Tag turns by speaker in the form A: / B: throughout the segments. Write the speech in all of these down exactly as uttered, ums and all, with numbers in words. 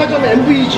A: 백화점 엠브이지.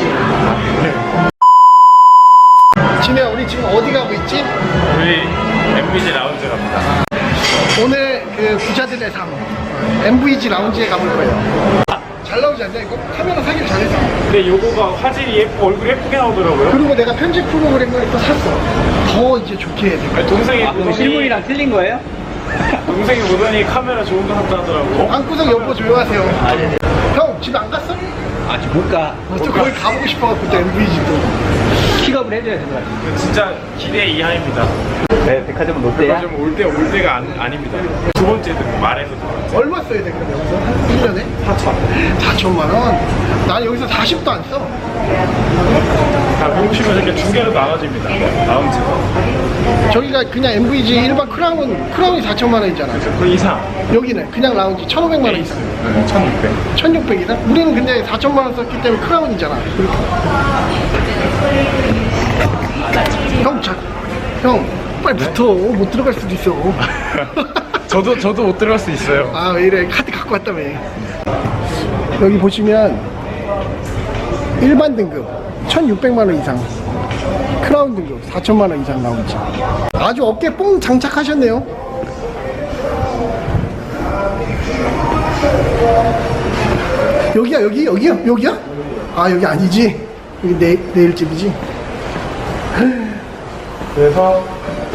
A: 진우야, 우리 지금 어디 가고 있지?
B: 우리 엠브이지 라운지 갑니다.
A: 오늘 그 부자들의 삶 엠브이지 라운지에 가볼 거예요. 잘 나오지 않냐? 이거 카메라 사기를 잘했어.
B: 근데 요거가 화질이 예쁘, 얼굴이 예쁘게 나오더라고요.
A: 그리고 내가 편집 프로그램을 또 샀어. 더 이제 좋게 해야 돼.
B: 아니, 동생이
C: 아, 그럼 실물이랑 틀린 거예요?
B: 동생이 보더니 카메라 좋은 거 샀다 하더라고.
A: 방구석 여보 조용하세요.
C: 아, 네네.
A: 형 집에 안 갔어?
C: 아직 못 가.
A: 어, 저 거기 가보고 싶어갖고 또 엠브이지도.
C: 픽업을 해줘야 되는 거야.
B: 진짜 기대 이하입니다.
C: 네, 백화점은 롯데야?
B: 백화점 올 때 올 때가 안, 아닙니다. 두 번째 등 말해서 두 번째.
A: 얼마 써야 돼 그럼 여기서? 한 일 년에?
B: 사천.
A: 사천만 원? 난 여기서 사십도 안 써.
B: 다 보시면 이렇게 두 개로 나눠집니다. 라운지가.
A: 저기가 그냥 엠브이지 일반 크라운, 크라운이 사천만 원이잖아.
B: 그 이상.
A: 여기는 그냥 라운지 천오백만 원 이상.
B: 네, 천육백.
A: 천육백이다? 우리는 근데 사천만 원 썼기 때문에 크라운이잖아. 형, 자, 형, 빨리
B: 네?
A: 붙어. 못 들어갈 수도 있어.
B: 저도 저도 못 들어갈 수 있어요.
A: 아, 왜 이래. 카드 갖고 왔다며. 여기 보시면 일반 등급 천육백만 원 이상, 크라운 등급 사천만 원 이상 나오지. 아주 어깨 뽕 장착하셨네요. 여기야, 여기, 여기야, 여기야? 아, 여기 아니지. 여기 내, 내일집이지.
B: 그래서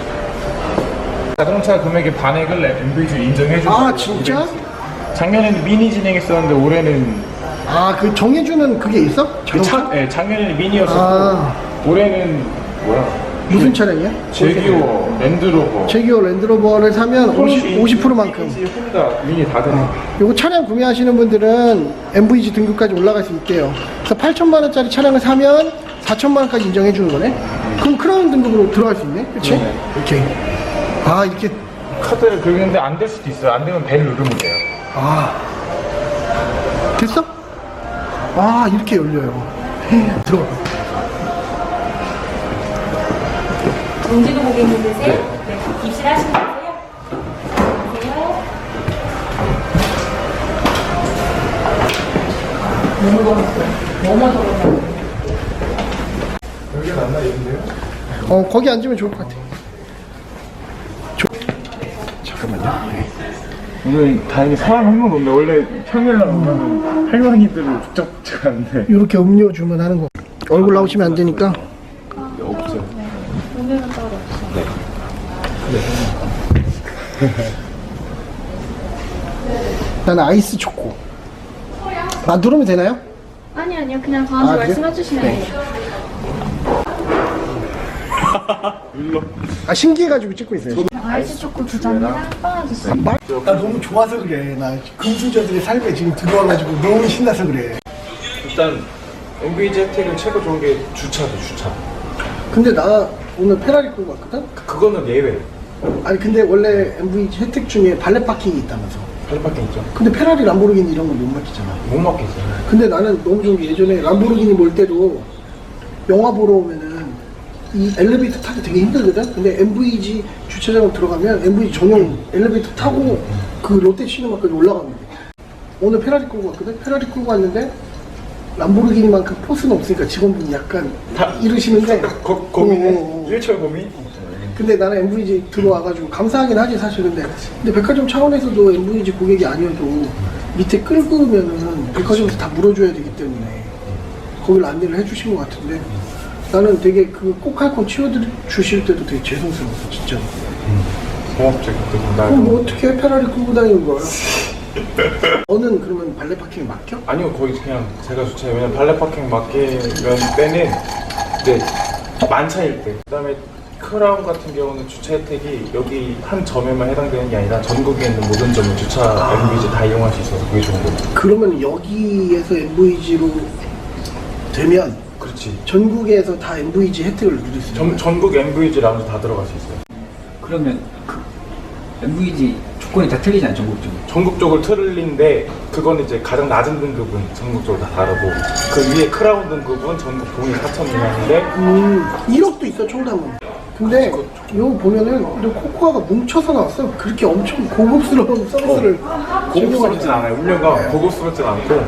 B: 자동차 금액의 반액을 엠브이지 인정해주고.
A: 아, 진짜?
B: 작년에는 미니 진행했었는데 올해는
A: 아, 그 정해주는 그게 있어?
B: 그 차, 네, 작년에는 미니였었고
A: 아.
B: 올해는 뭐야?
A: 무슨 차량이야?
B: 제기어, 랜드로버,
A: 제기어 랜드로버를 사면 오십, 오십 퍼센트만큼.
B: 혼다 미니 다 되네.
A: 요거 차량 구매하시는 분들은 엠브이지 등급까지 올라갈 수 있대요. 그래서 팔천만 원짜리 차량을 사면 사천만 원까지 인정해 주는 거네. 그럼 크라운 등급으로 들어갈 수 있네. 그치?
B: 네네.
A: 오케이. 아, 이렇게.
B: 카드를 긁는데 안 될 수도 있어요. 안 되면 벨 누르면 돼요.
A: 아. 됐어? 아, 이렇게 열려요. 들어가.
D: 용지도 고객님이세요? 네. 입실하시면 되세요? 안녕하세요. 너무 더웠어요. 너무 더웠어요.
B: 여기가 낫나 이런데요?
A: 어, 거기 앉으면 좋을 것 같아. 조... 잠깐만요. 네.
B: 오늘 다행히 사람 한 명 없네. 원래 평일날 오면 할머니들을 북적북적 하는데
A: 이렇게 음료 주문하는 거. 얼굴 나오시면 안 되니까.
B: 없어요.
D: 오늘은 따로 없어요.
A: 나는 아이스 초코. 아, 누르면 되나요?
D: 아니 아니요. 그냥 저한테
A: 아, 그래요?
D: 말씀해 주시면
A: 네.
D: 돼요.
B: 눌러.
A: 아, 신기해가지고 찍고 있어요.
D: 아이스 초코 두 잔이랑 빵 하셨어요.
A: 나 너무 좋아서 그래. 나 금수저들의 삶에 지금 들어와가지고 너무 신나서 그래.
B: 일단 엠브이지 혜택은 최고 좋은 게 주차도 주차.
A: 근데 나 오늘 페라리 끌고 왔거든?
B: 그거는 예외.
A: 아니 근데 원래 엠브이지 혜택 중에 발렛 파킹이 있다면서.
B: 할밖에 없죠.
A: 근데 페라리, 람보르기니 이런 건 못 맡기잖아.
B: 못 맡겠어요.
A: 근데 나는 너무 좋은 게 예전에 람보르기니 몰 때도 영화 보러 오면은 이 엘리베이터 타기 되게 힘들거든? 근데 엠브이지 주차장으로 들어가면 엠브이지 전용 엘리베이터 타고 그 롯데 시네마까지 올라가면 돼. 오늘 페라리 끌고 왔거든? 페라리 끌고 왔는데 람보르기니만큼 포스는 없으니까 직원분이 약간
B: 다
A: 이러시는데
B: 고, 고민해?
A: 어, 어, 어.
B: 일철 고민?
A: 근데 나는 엠브이지 들어와가지고 감사하긴 하지 사실. 근데 근데 백화점 차원에서도 엠브이지 고객이 아니어도 밑에 끌고 오면은 백화점에서 다 물어줘야 되기 때문에 거기를 안내를 해주신 것 같은데 나는 되게 그 꼭 할 거 치워주실 때도 되게 죄송스러웠어 진짜.
B: 고맙죠. 나
A: 그럼 뭐 어떻게 페라리 끌고 다니는 거야? 너는 그러면 발레 파킹에 맡겨?
B: 아니요, 거의 그냥 제가 주차해. 왜냐면 발레 파킹 맡기면 때는 이제 만차일 때. 그다음에 크라운 같은 경우는 주차 혜택이 여기 한 점에만 해당되는 게 아니라 전국에 있는 모든 점을 주차 엠브이지 다 이용할 수 있어서 그게 좋은 거죠.
A: 그러면 여기에서 엠브이지로 되면
B: 그렇지.
A: 전국에서 다 엠브이지 혜택을 누릴 수 있는
B: 전,
A: 거야?
B: 전국 엠브이지 라운지 다 들어갈 수 있어요.
C: 그러면 그 엠브이지 조건이 다 틀리지 않죠, 전국적으로?
B: 전국적으로 틀린데 그건 이제 가장 낮은 등급은 전국적으로 다 다르고 그 위에 크라운 등급은 전국 동일 사천 미만인데
A: 음, 일억도 있어 총담은. 근데 이거 보면은 이 코코아가 뭉쳐서 나왔어. 그렇게 엄청 고급스러운 서비스를
B: 고급스럽진 않아요. 음료가 고급스럽진 않고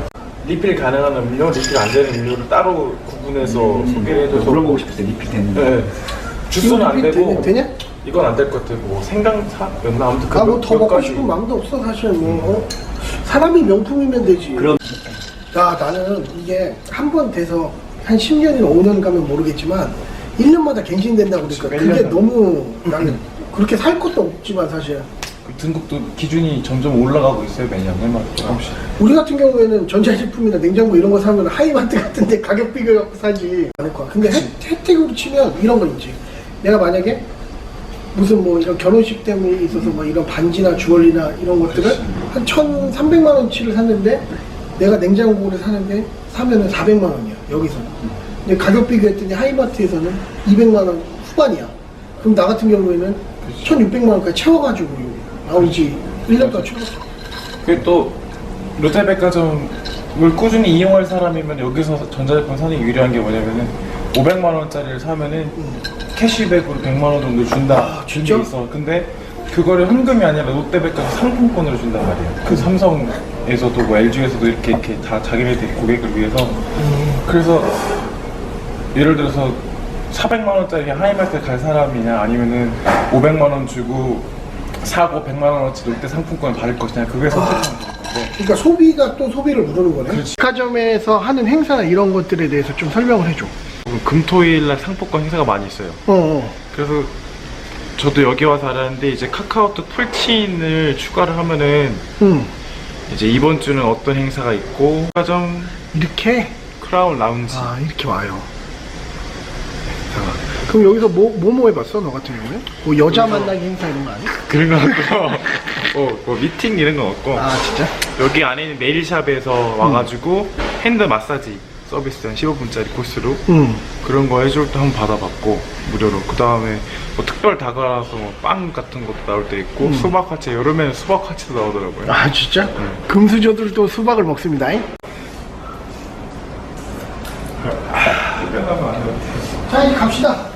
B: 리필 가능한 음료, 리필 안 되는 음료를 따로 구분해서 소개를 해줘서
C: 물어보고 싶었어요. 리필 되는지.
B: 네. 주스는 안
A: 이거
B: 되고
A: 되냐?
B: 이건 안 될 것 같아요. 뭐 생강차였나 아무튼 그
A: 아 뭐
B: 몇-
A: 더
B: 몇
A: 먹고
B: 가지.
A: 싶은 마음도 없어 사실 뭐 어? 사람이 명품이면 되지.
C: 그럼
A: 야 나는 이게 한 번 돼서 한 십 년이나 오 년 가면 모르겠지만 일 년마다 갱신된다고 그러니까
B: 몇
A: 그게
B: 년?
A: 너무 나는 그렇게 살 것도 없지만 사실
B: 그 등급도 기준이 점점 올라가고 있어요. 매년 해마다 조금씩.
A: 우리 같은 경우에는 전자제품이나 냉장고 이런 거 사면 하이마트 같은데 가격 비교해갖고 사지 않을 거야. 근데 혜, 혜택으로 치면 이런 거 있지. 내가 만약에 무슨 뭐 이런 결혼식 때문에 있어서 뭐 이런 반지나 주얼리나 이런 것들을 한 천삼백만 원치를 샀는데 내가 냉장고를 사는데 사면은 사백만 원이야 여기서는. 근데 가격 비교했더니 하이마트에서는 이백만 원 후반이야. 그럼 나 같은 경우에는 천육백만 원까지 채워가지고 나오지 일 년 동안 채웠어.
B: 그게 또 롯데백화점을 꾸준히 이용할 사람이면 여기서 전자제품 사는 게 유리한 게 뭐냐면은 오백만 원짜리를 사면은 캐시백으로 백만 원 정도 준다.
A: 아, 진짜?
B: 게 있어. 근데 그거를 현금이 아니라 롯데백화점 상품권으로 준단 말이에요. 그 삼성에서도 뭐 엘지에서도 이렇게 이렇게 다 자기네들 고객을 위해서. 그래서 예를 들어서 사백만 원짜리 하이마트 갈 사람이냐 아니면은 오백만 원 주고 사고 백만 원어치 롯데 상품권을 받을 것이냐 그게 선택하는 건데.
A: 그러니까 소비가 또 소비를 누르는 거네.
B: 그렇지.
A: 백화점에서 하는 행사나 이런 것들에 대해서 좀 설명을 해줘.
B: 금토일날 상품권 행사가 많이 있어요.
A: 어, 어.
B: 그래서 저도 여기 와서 알았는데 이제 카카오톡 톨틴을 추가를 하면은
A: 응.
B: 이제 이번 주는 어떤 행사가 있고 백화점
A: 이렇게?
B: 크라운 라운지
A: 아, 이렇게 와요. 자, 그럼 여기서 뭐, 뭐, 뭐 해봤어? 너 같은 경우에? 뭐 여자 만나기 행사 이런 거 아니야?
B: 그런 거 없고 뭐, 뭐 미팅 이런 건 없고
A: 아, 진짜?
B: 여기 안에 있는 네일샵에서 와가지고 핸드 마사지 서비스 한 십오 분짜리 코스로
A: 응.
B: 그런 거 해줄 때 한번 받아봤고 무료로. 그 다음에 뭐 특별 다가라서 뭐 빵 같은 것도 나올 때 있고
A: 음.
B: 수박 화채 여름에는 수박 화채도 나오더라고요.
A: 아, 진짜? 금수저들도 수박을 먹습니다. 자, 이제 갑시다.